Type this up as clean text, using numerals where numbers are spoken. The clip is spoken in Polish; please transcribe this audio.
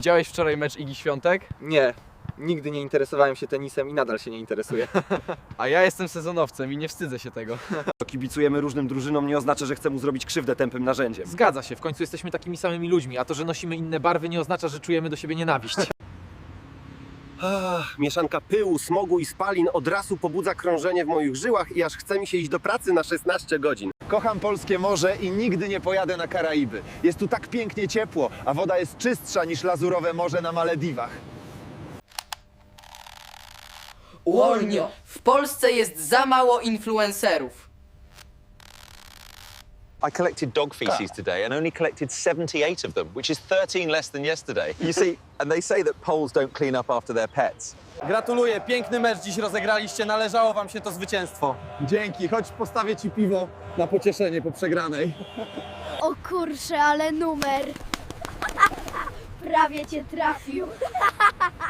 Widziałeś wczoraj mecz Igi Świątek? Nie, nigdy nie interesowałem się tenisem i nadal się nie interesuję. A ja jestem sezonowcem i nie wstydzę się tego. Kibicujemy różnym drużynom nie oznacza, że chcę mu zrobić krzywdę tępym narzędziem. Zgadza się, w końcu jesteśmy takimi samymi ludźmi, a to, że nosimy inne barwy nie oznacza, że czujemy do siebie nienawiść. Mieszanka pyłu, smogu i spalin od razu pobudza krążenie w moich żyłach i aż chce mi się iść do pracy na 16 godzin. Kocham polskie morze i nigdy nie pojadę na Karaiby. Jest tu tak pięknie ciepło, a woda jest czystsza niż lazurowe morze na Malediwach. Wolnio! W Polsce jest za mało influencerów. I collected dog feces today and only collected 78 of them, which is 13 less than yesterday. You see, and they say that Poles don't clean up after their pets. Gratuluję, piękny mecz dziś rozegraliście, należało wam się to zwycięstwo. Dzięki, chodź postawię ci piwo na pocieszenie po przegranej. O kurczę, ale numer! Prawie cię trafił.